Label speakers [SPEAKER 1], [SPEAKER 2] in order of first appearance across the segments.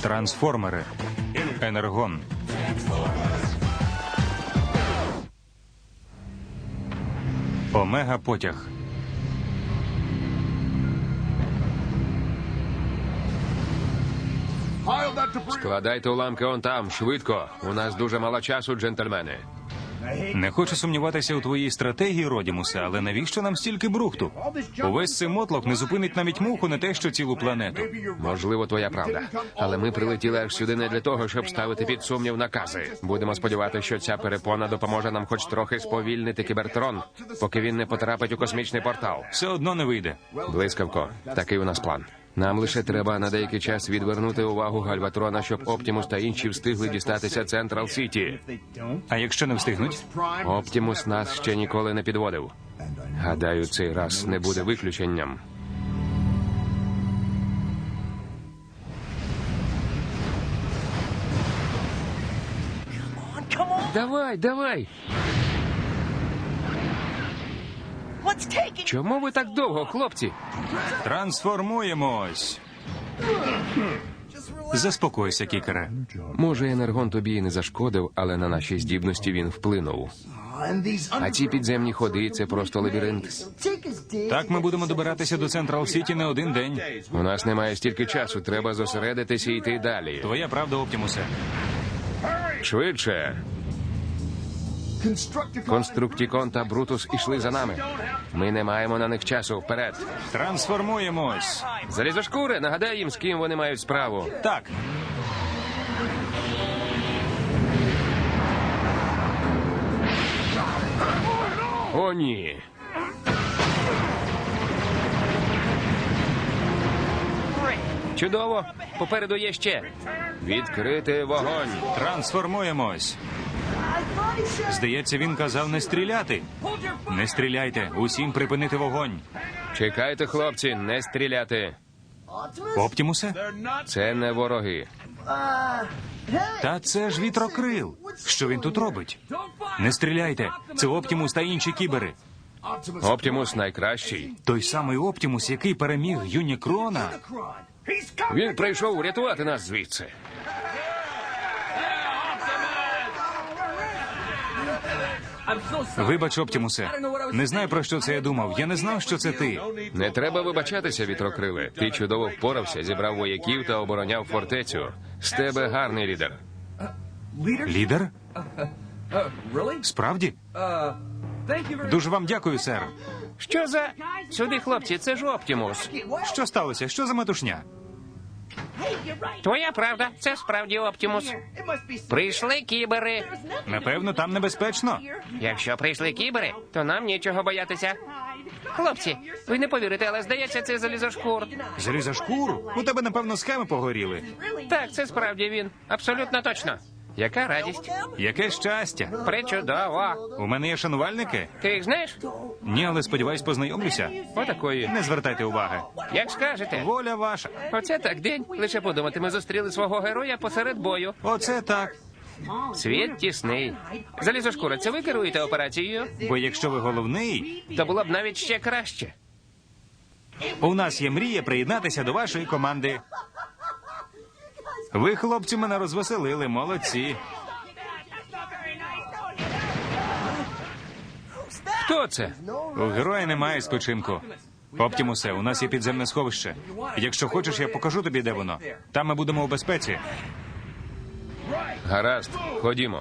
[SPEAKER 1] Трансформери. Енергон. Омега-потяг.
[SPEAKER 2] Складайте уламки он там, швидко. У нас дуже мало часу, джентльмени.
[SPEAKER 1] Не хочу сумніватися у твоїй стратегії, Родімусе, але навіщо нам стільки брухту? Увесь цей мотлох не зупинить навіть муху, не те що цілу планету.
[SPEAKER 2] Можливо, твоя правда. Але ми прилетіли аж сюди не для того, щоб ставити під сумнів накази. Будемо сподіватися, що ця перепона допоможе нам хоч трохи сповільнити Кібертрон, поки він не потрапить у космічний портал.
[SPEAKER 1] Все одно не вийде.
[SPEAKER 2] Блискавко, такий у нас план. Нам лише треба на деякий час відвернути увагу Гальватрона, щоб Оптімус та інші встигли дістатися Централ Сіті.
[SPEAKER 1] А якщо не встигнуть?
[SPEAKER 2] Оптімус нас ще ніколи не підводив. Гадаю, цей раз не буде виключенням. Давай, давай! Чому ви так довго, хлопці?
[SPEAKER 1] Трансформуємось. Заспокойся, кікере.
[SPEAKER 2] Може, енергон тобі і не зашкодив, але на наші здібності він вплинув. А ці підземні ходи – це просто лабіринт.
[SPEAKER 1] Так ми будемо добиратися до Централ Сіті не один день.
[SPEAKER 2] У нас немає стільки часу, треба зосередитися і йти далі.
[SPEAKER 1] Твоя правда, Оптімусе.
[SPEAKER 2] Швидше! Конструктікон та Брутус ішли за нами. Ми не маємо на них часу. Вперед!
[SPEAKER 1] Трансформуємось.
[SPEAKER 2] Залізошкури, нагадай їм, з ким вони мають справу.
[SPEAKER 1] Так.
[SPEAKER 2] О, ні! Чудово! Попереду є ще. Відкрити вогонь.
[SPEAKER 1] Трансформуємось. Здається, він казав не стріляти. Не стріляйте. Усім припинити вогонь.
[SPEAKER 2] Чекайте, хлопці, не стріляти.
[SPEAKER 1] Оптімусе?
[SPEAKER 2] Це не вороги.
[SPEAKER 1] Та це ж вітрокрил. Що він тут робить? Не стріляйте. Це Оптімус та інші кібери.
[SPEAKER 2] Оптімус найкращий.
[SPEAKER 1] Той самий Оптімус, який переміг Юнікрона.
[SPEAKER 2] Він прийшов врятувати нас звідси.
[SPEAKER 1] Вибач, Оптімусе. Не знаю, про що це я думав. Я не знав, що це ти.
[SPEAKER 2] Не треба вибачатися, вітрокриле. Ти чудово впорався, зібрав вояків та обороняв фортецю. З тебе гарний лідер.
[SPEAKER 1] Лідер? Справді? Дуже вам дякую, сер.
[SPEAKER 2] Що за... Сюди, хлопці, це ж Оптімус.
[SPEAKER 1] Що сталося? Що за метушня?
[SPEAKER 2] Твоя правда, це справді Оптімус. Прийшли кібери.
[SPEAKER 1] Напевно, там небезпечно.
[SPEAKER 2] Якщо прийшли кібери, то нам нічого боятися. Хлопці, ви не повірите, але здається, це залізошкур.
[SPEAKER 1] Залізошкур? У тебе, напевно, схеми погоріли.
[SPEAKER 2] Так, це справді він. Абсолютно точно. Яка радість.
[SPEAKER 1] Яке щастя.
[SPEAKER 2] Причудово.
[SPEAKER 1] У мене є шанувальники?
[SPEAKER 2] Ти їх знаєш?
[SPEAKER 1] Ні, але сподіваюсь, познайомлюся.
[SPEAKER 2] Отакої.
[SPEAKER 1] Не звертайте уваги.
[SPEAKER 2] Як скажете.
[SPEAKER 1] Воля ваша.
[SPEAKER 2] Оце так день. Лише подумати, ми зустріли свого героя посеред бою.
[SPEAKER 1] Оце так.
[SPEAKER 2] Світ тісний. Залізошкура, це ви керуєте операцією?
[SPEAKER 1] Бо якщо ви головний,
[SPEAKER 2] То було б навіть ще краще.
[SPEAKER 1] у нас є мрія приєднатися до вашої команди. Ви, хлопці, мене розвеселили, молодці.
[SPEAKER 2] Хто це?
[SPEAKER 1] У героя немає спочинку. Оптімусе, у нас є підземне сховище. Якщо хочеш, я покажу тобі, де воно. Там ми будемо у безпеці.
[SPEAKER 2] Гаразд, ходімо.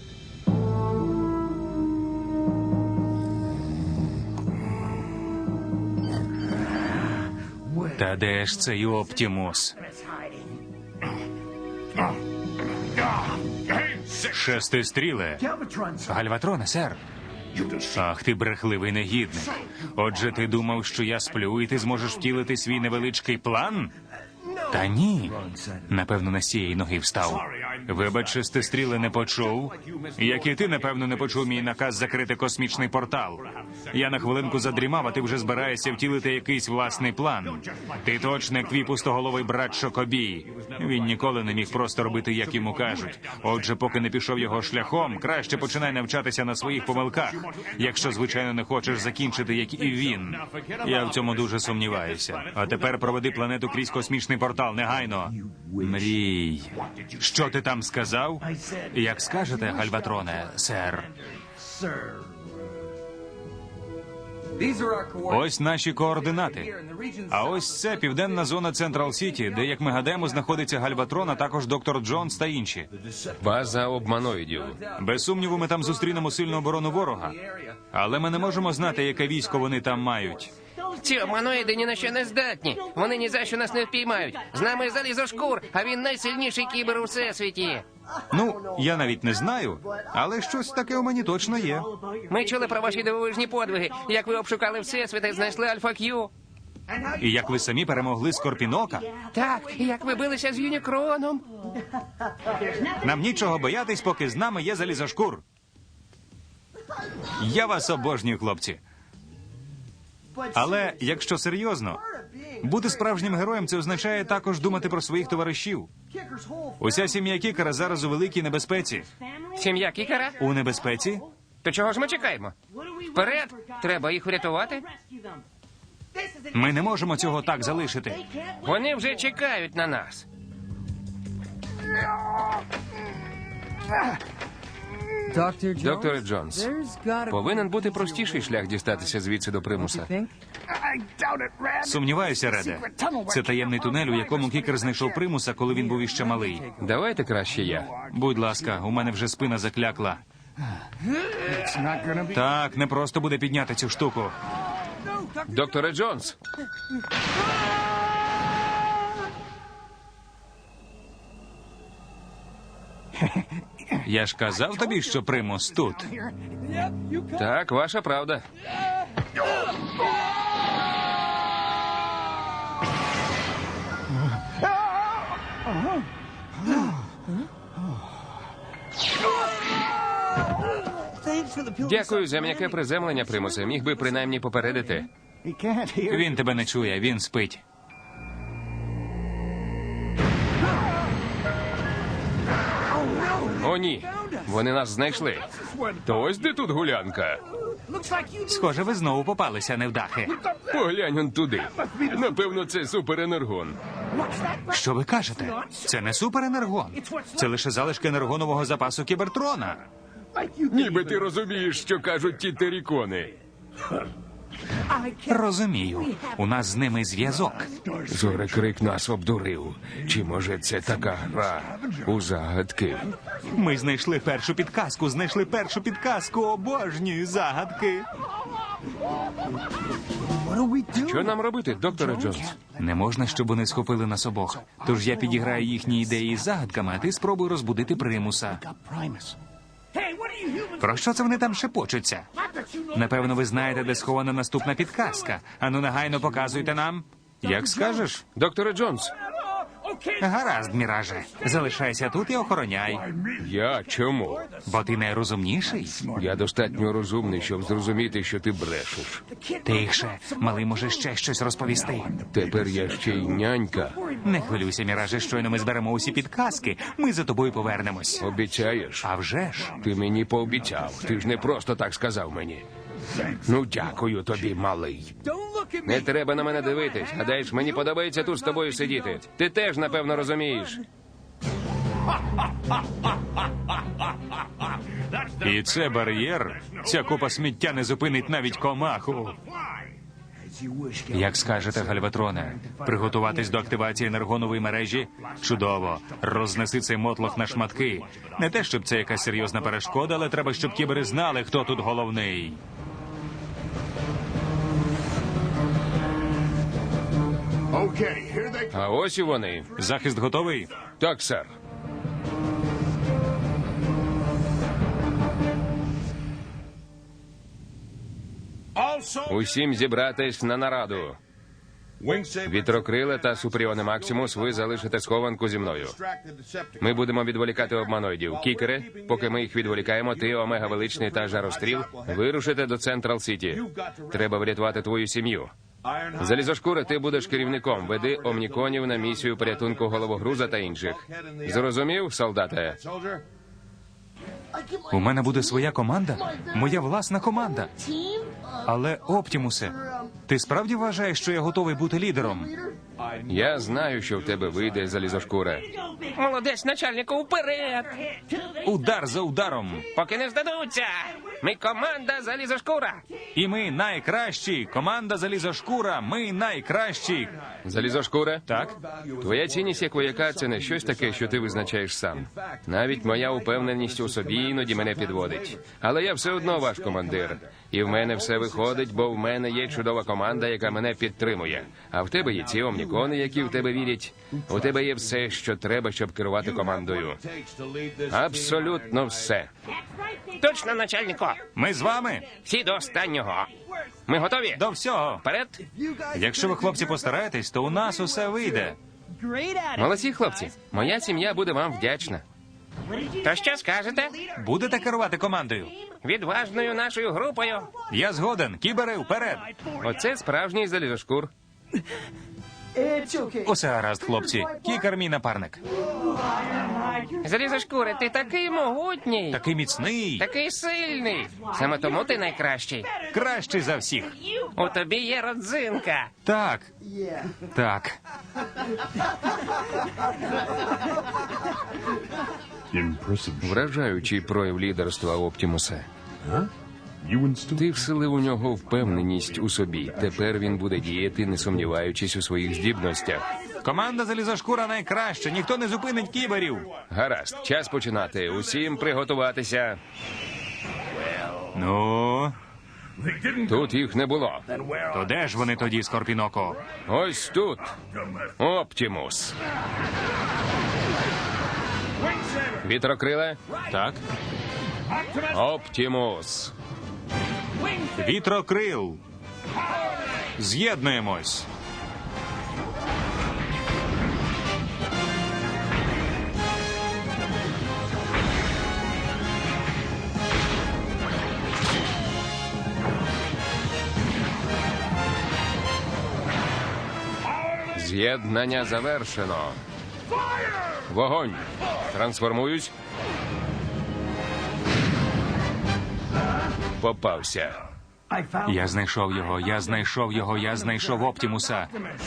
[SPEAKER 1] Та де ж цей Оптімус? Шестистріле. Гальватроне, сер. Ах, ти брехливий негідник. Отже, ти думав, що я сплю, і ти зможеш втілити свій невеличкий план? Та ні. Напевно, не з цієї ноги встав. Вибач, шестистріле, не почув. Як і ти, напевно, не почув мій наказ закрити космічний портал. Я на хвилинку задрімав, а ти вже збираєшся втілити якийсь власний план. Ти точно як твій пустоголовий брат Шокобій. Він ніколи не міг просто робити, як йому кажуть. Отже, поки не пішов його шляхом, краще починай навчатися на своїх помилках. Якщо, звичайно, не хочеш закінчити, як і він. Я в цьому дуже сумніваюся. А тепер проведи планету крізь космічний портал, негайно. Мрій. Що ти там сказав? Як скажете, Гальватроне, сер. Ось наші координати. А ось це південна зона Централ Сіті, де, як ми гадаємо, знаходиться Гальватрон, а також доктор Джонс та інші.
[SPEAKER 2] База обманоїдів.
[SPEAKER 1] Без сумніву, ми там зустрінемо сильну оборону ворога. Але ми не можемо знати, яке військо вони там мають.
[SPEAKER 3] Ці обманоїди ні на що не здатні. Вони ні за що нас не впіймають. З нами Залізошкур, а він найсильніший кібер у всесвіті.
[SPEAKER 1] Ну, я навіть не знаю, але щось таке у мені точно є.
[SPEAKER 3] Ми чули про ваші дивовижні подвиги, як ви обшукали всесвіт і знайшли Альфа Кью.
[SPEAKER 1] І як ви самі перемогли Скорпінока,
[SPEAKER 3] Так, і як ви билися з Юнікроном.
[SPEAKER 1] нам нічого боятись, поки з нами є Залізошкур. Я вас обожнюю, хлопці. Але, якщо серйозно, бути справжнім героєм – це означає також думати про своїх товаришів. Уся сім'я Кікера зараз у великій небезпеці.
[SPEAKER 3] Сім'я Кікера?
[SPEAKER 1] У небезпеці?
[SPEAKER 3] То чого ж ми чекаємо? Вперед! Треба їх врятувати.
[SPEAKER 1] Ми не можемо цього так залишити.
[SPEAKER 3] Вони вже чекають на нас.
[SPEAKER 2] Докторе Джонс, повинен бути простіший шлях дістатися звідси до примуса.
[SPEAKER 1] Сумніваюся, Реде. Це таємний тунель, у якому Кікер знайшов примуса, коли він був іще малий.
[SPEAKER 2] Давайте краще я.
[SPEAKER 1] Будь ласка, у мене вже спина заклякла. Так, не просто буде підняти цю штуку.
[SPEAKER 2] Докторе Джонс!
[SPEAKER 1] Я ж казав тобі, що примус тут.
[SPEAKER 2] Так, ваша правда. Дякую за м'яке приземлення, примусе. Міг би принаймні попередити.
[SPEAKER 1] Він тебе не чує, він спить.
[SPEAKER 2] О, ні. Вони нас знайшли. То ось де тут гулянка.
[SPEAKER 1] Схоже, ви знову попалися, невдахи.
[SPEAKER 2] Поглянь он туди. Напевно, це суперенергон.
[SPEAKER 1] Що ви кажете? Це не суперенергон. Це лише залишки енергонового запасу Кібертрона.
[SPEAKER 2] Ніби ти розумієш, що кажуть ті терікони.
[SPEAKER 1] Розумію. У нас з ними зв'язок.
[SPEAKER 2] Зорекрик нас обдурив. Чи може це така гра у загадки?
[SPEAKER 1] Ми знайшли першу підказку. Обожнюю загадки.
[SPEAKER 2] Що нам робити, докторе Джонс?
[SPEAKER 1] Не можна, щоб вони схопили нас обох. Тож я підіграю їхні ідеї з загадками, а ти спробуй розбудити примуса. Про що це вони там шепочуться? Напевно, ви знаєте, де схована наступна підказка. Ану, негайно показуйте нам. Як скажеш?
[SPEAKER 2] Докторе Джонс,
[SPEAKER 1] Гаразд, Міраже. Залишайся тут і охороняй.
[SPEAKER 2] я чому?
[SPEAKER 1] Бо ти найрозумніший.
[SPEAKER 2] Я достатньо розумний, щоб зрозуміти, що ти брешеш.
[SPEAKER 1] Тихше, малий може ще щось розповісти.
[SPEAKER 2] Тепер я ще й нянька.
[SPEAKER 1] Не хвилюйся, Міраже, щойно ми зберемо усі підказки. Ми за тобою повернемось.
[SPEAKER 2] Обіцяєш?
[SPEAKER 1] А вже ж.
[SPEAKER 2] Ти мені пообіцяв. Ти ж не просто так сказав мені. Ну, дякую тобі, малий. Не треба на мене дивитись. Гадаєш, мені подобається тут з тобою сидіти. Ти теж, напевно, розумієш.
[SPEAKER 1] І це бар'єр. Ця купа сміття не зупинить навіть комаху. Як скажете, Гальватроне, приготуватись до активації енергонової мережі? Чудово. Рознеси цей мотлох на шматки. Не те, щоб це якась серйозна перешкода, але треба, щоб кібери знали, хто тут головний.
[SPEAKER 2] А ось і вони.
[SPEAKER 1] Захист готовий?
[SPEAKER 2] Так, сер. Усім зібратись на нараду. Вітрокриле та Супріоне Максимус, ви залишите схованку зі мною. Ми будемо відволікати обманоїдів. Кікере, поки ми їх відволікаємо, ти, Омега Величний та Жаростріл, вирушите до Централ Сіті. Треба врятувати твою сім'ю. Залізошкура, ти будеш керівником. Веди омніконів на місію порятунку головогруза та інших. Зрозумів, солдате?
[SPEAKER 1] У мене буде своя команда? Моя власна команда. Але, Оптімусе, ти справді вважаєш, що я готовий бути лідером?
[SPEAKER 2] Я знаю, що в тебе вийде, Залізошкура.
[SPEAKER 3] Молодець, начальнику, вперед!
[SPEAKER 1] Удар за ударом.
[SPEAKER 3] Поки не здадуться! Ми команда Залізошкура!
[SPEAKER 1] І ми найкращі. Команда Залізошкура. Ми найкращі.
[SPEAKER 2] Залізошкура?
[SPEAKER 1] Так?
[SPEAKER 2] Твоя цінність як вояка – це не щось таке, що ти визначаєш сам. Навіть моя упевненість у собі іноді мене підводить. Але я все одно ваш командир. І в мене все виходить, бо в мене є чудова команда, яка мене підтримує. А в тебе є ці омнікони, які в тебе вірять. У тебе є все, що треба, щоб керувати командою. Абсолютно все.
[SPEAKER 3] Точно, начальнику!
[SPEAKER 1] Ми з вами.
[SPEAKER 3] Всі до останнього! Ми готові?
[SPEAKER 1] До всього.
[SPEAKER 3] Вперед!
[SPEAKER 1] Якщо ви, хлопці, постараєтесь, то у нас усе вийде.
[SPEAKER 2] Молодці, хлопці. Моя сім'я буде вам вдячна.
[SPEAKER 3] То що скажете?
[SPEAKER 1] Будете керувати командою?
[SPEAKER 3] Відважною нашою групою.
[SPEAKER 1] Я згоден. Кібери, вперед.
[SPEAKER 2] Оце справжній Залізошкур.
[SPEAKER 1] Усе гаразд, хлопці. Кікер мій напарник.
[SPEAKER 3] Залізошкури, ти такий могутній,
[SPEAKER 1] Такий міцний.
[SPEAKER 3] такий сильний. Саме тому ти найкращий.
[SPEAKER 1] Кращий за всіх.
[SPEAKER 3] У тобі є родзинка.
[SPEAKER 1] Так. Так.
[SPEAKER 2] Вражаючий прояв лідерства Оптімуса. Ти вселив у нього впевненість у собі. Тепер він буде діяти, не сумніваючись у своїх здібностях.
[SPEAKER 1] Команда Залізошкура найкраща. Ніхто не зупинить кіберів.
[SPEAKER 2] Гаразд, час починати. Усім приготуватися.
[SPEAKER 1] Ну,
[SPEAKER 2] Тут їх не було.
[SPEAKER 1] то де ж вони тоді, Скорпіноко?
[SPEAKER 2] Ось тут. Оптімус. Вітрокриле.
[SPEAKER 1] Так.
[SPEAKER 2] Оптімус.
[SPEAKER 1] Вітрокрил. З'єднуємось.
[SPEAKER 2] З'єднання завершено. Вогонь. Трансформуюсь. Попався.
[SPEAKER 1] Я знайшов його, я знайшов його, я знайшов Оптімуса.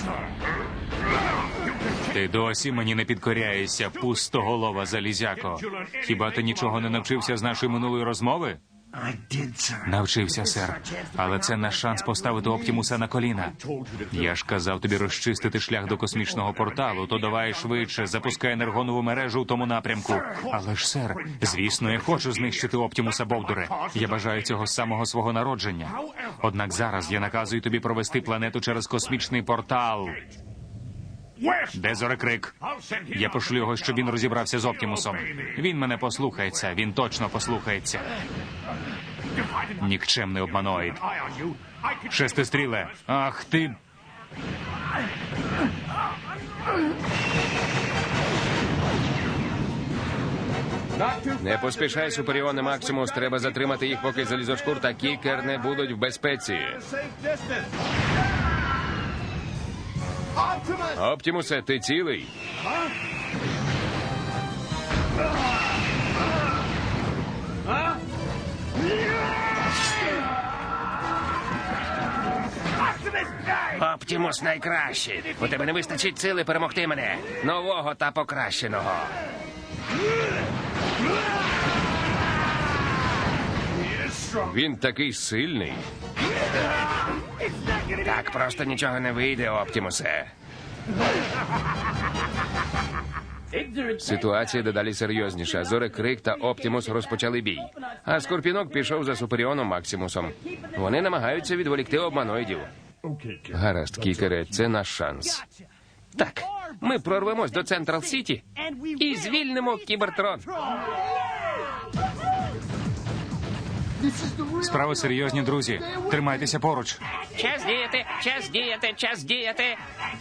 [SPEAKER 1] Ти досі мені не підкоряєшся, пустоголова залізяко. Хіба ти нічого не навчився з нашої минулої розмови? Навчився, сер. Але це наш шанс поставити Оптімуса на коліна. Я ж казав тобі розчистити шлях до космічного порталу, то давай швидше, запускай енергонову мережу у тому напрямку. Але ж, сер, звісно, я хочу знищити Оптімуса, Бовдуре. Я бажаю цього з самого свого народження. Однак зараз я наказую тобі провести планету через космічний портал. Де Зорекрик? Я пошлю його, щоб він розібрався з Оптімусом. Він мене послухається, він точно послухається. Нікчемний обманоїд. Шестистріле. Ах ти.
[SPEAKER 2] Не поспішай, Супріоне Максимус. Треба затримати їх, поки Залізошкур та Кікер не будуть в безпеці. Оптімусе, ти цілий?
[SPEAKER 3] Оптімус найкращий. У тебе не вистачить сили перемогти мене. Нового та покращеного.
[SPEAKER 2] Він такий сильний.
[SPEAKER 3] Так просто нічого не вийде, Оптімусе.
[SPEAKER 2] Ситуація дедалі серйозніша. Зорекрик та Оптімус розпочали бій. А Скорпінок пішов за Супріоном Максимусом. Вони намагаються відволікти обманоїдів. Гаразд, Кікере, це наш шанс.
[SPEAKER 3] Так, ми прорвемось до Централ Сіті і звільнимо Кібертрон.
[SPEAKER 1] Справи серйозні, друзі. Тримайтеся поруч.
[SPEAKER 3] Час діяти, час діяти, час діяти.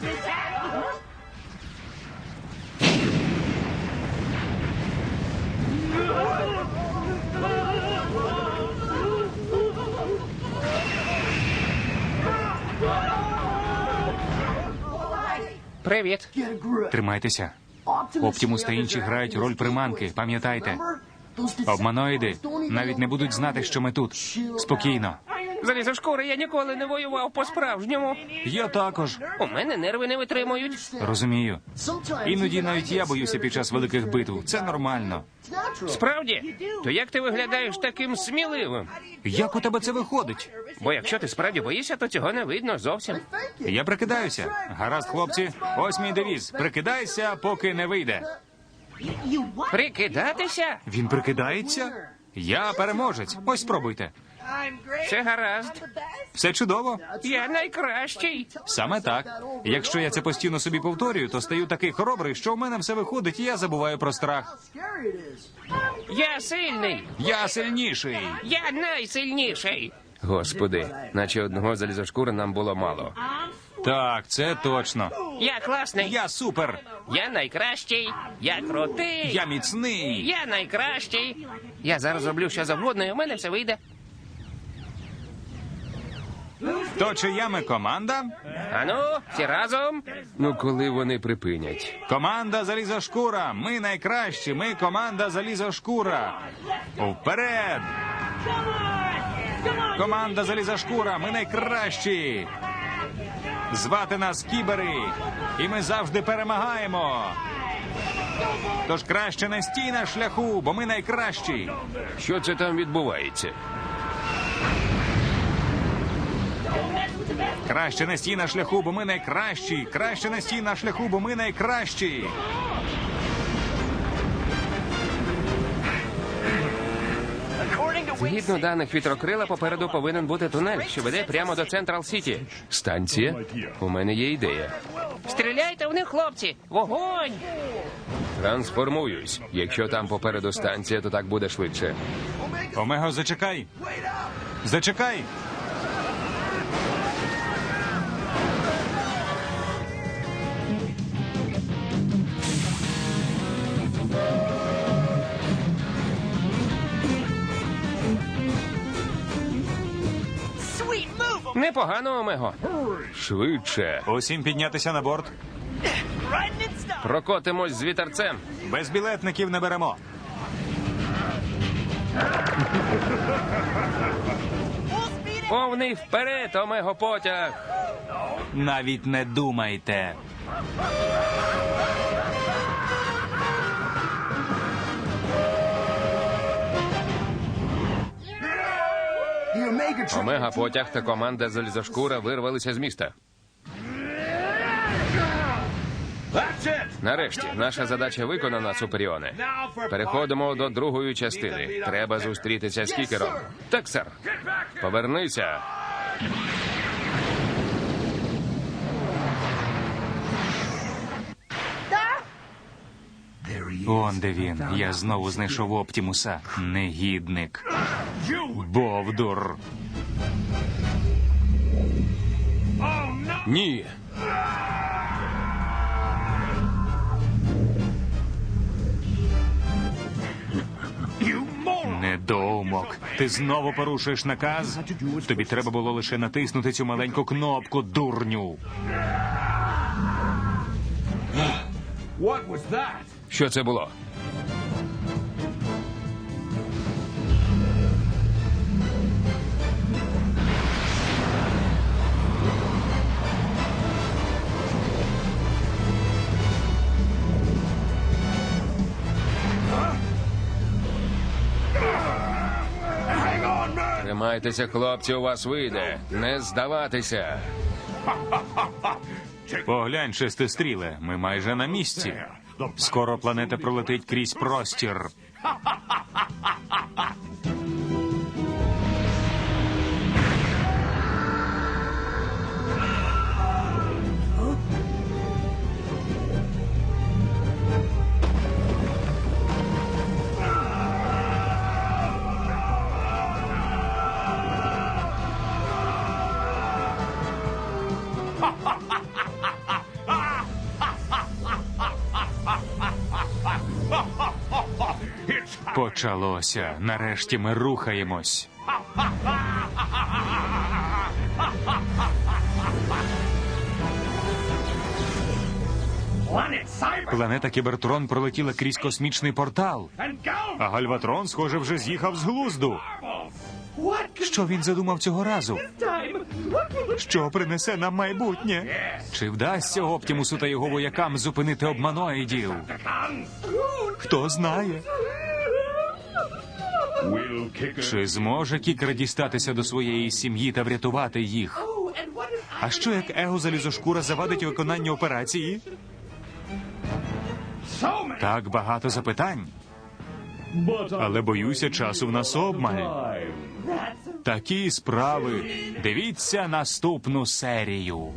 [SPEAKER 3] Привіт.
[SPEAKER 1] Тримайтеся. Оптімус та інші грають роль приманки, пам'ятайте. Обманоїди навіть не будуть знати, що ми тут. Спокійно.
[SPEAKER 3] Залізошкури, я ніколи не воював по-справжньому.
[SPEAKER 1] Я також.
[SPEAKER 3] У мене нерви не витримують.
[SPEAKER 1] Розумію. Іноді навіть я боюся під час великих битв. Це нормально.
[SPEAKER 3] Справді? То як ти виглядаєш таким сміливим?
[SPEAKER 1] Як у тебе це виходить?
[SPEAKER 3] Бо якщо ти справді боїшся, то цього не видно зовсім.
[SPEAKER 1] Я прикидаюся. Гаразд, хлопці. Ось мій девіз. Прикидайся, поки не вийде.
[SPEAKER 3] Прикидатися?
[SPEAKER 1] Він прикидається? Я переможець. Ось спробуйте.
[SPEAKER 3] Все гаразд.
[SPEAKER 1] Все чудово.
[SPEAKER 3] Я найкращий.
[SPEAKER 1] Саме так. Якщо я це постійно собі повторюю, то стаю такий хоробрий, що в мене все виходить, і я забуваю про страх.
[SPEAKER 3] Я сильний.
[SPEAKER 1] Я сильніший.
[SPEAKER 3] Я найсильніший.
[SPEAKER 2] Господи, наче одного залізошкура нам було мало.
[SPEAKER 1] Так, це точно.
[SPEAKER 3] Я класний.
[SPEAKER 1] Я супер.
[SPEAKER 3] Я найкращий. Я крутий.
[SPEAKER 1] Я міцний.
[SPEAKER 3] Я найкращий. Я зараз роблю що завгодно, і у мене все вийде.
[SPEAKER 1] То чия ми команда?
[SPEAKER 3] Ану, всі разом.
[SPEAKER 2] Ну, коли вони припинять?
[SPEAKER 1] Команда Залізошкура. Ми найкращі. Ми команда Залізошкура. Вперед! Команда Залізошкура. Ми найкращі. Звати нас Кібери. І ми завжди перемагаємо. Тож краще не стій на шляху, бо ми найкращі.
[SPEAKER 2] Що це там відбувається?
[SPEAKER 1] Краще не стій на шляху, бо ми найкращі. Краще не стій на шляху, бо ми найкращі.
[SPEAKER 2] Згідно даних вітрокрила, попереду повинен бути тунель, що веде прямо до Централ Сіті. Станція? У мене є ідея.
[SPEAKER 3] Стріляйте в них, хлопці! Вогонь!
[SPEAKER 2] Трансформуюсь. Якщо там попереду станція, то так буде швидше.
[SPEAKER 1] Омего, зачекай. Зачекай.
[SPEAKER 2] Непогано, Омего. Швидше.
[SPEAKER 1] Усім піднятися на борт.
[SPEAKER 2] Прокотимось з вітерцем.
[SPEAKER 1] Без білетників не беремо.
[SPEAKER 2] Повний вперед, Омего потяг.
[SPEAKER 1] Навіть не думайте.
[SPEAKER 2] Омега потяг та команда Залізошкура вирвалися з міста. Нарешті, наша задача виконана, Суперіоне. Переходимо до другої частини. Треба зустрітися з Кікером. Так, сер. Повернися.
[SPEAKER 1] Он де він. Я знову знайшов Оптімуса. Негідник. Бовдур.
[SPEAKER 2] Ні.
[SPEAKER 1] Недоумок. Ти знову порушуєш наказ? Тобі треба було лише натиснути цю маленьку кнопку, дурню.
[SPEAKER 2] Що це було? Тримайтеся, хлопці, у вас вийде. Не здаватися.
[SPEAKER 1] Поглянь, шестистріле, ми майже на місці. Скоро планета пролетить крізь простір. Почалося. Нарешті ми рухаємось. Планета Кібертрон пролетіла крізь космічний портал. А Гальватрон, схоже, вже з'їхав з глузду. Що він задумав цього разу? Що принесе нам майбутнє? Чи вдасться Оптімусу та його воякам зупинити обманоїдів? Хто знає? Чи зможе Кікер дістатися до своєї сім'ї та врятувати їх? А що як Его-залізошкура завадить виконанню операції? Так багато запитань. Але, боюся, часу в нас обмаль. Такі справи. Дивіться наступну серію.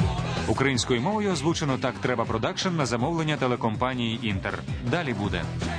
[SPEAKER 1] Українською мовою озвучено «Так треба продакшн» на замовлення телекомпанії «Інтер». Далі буде.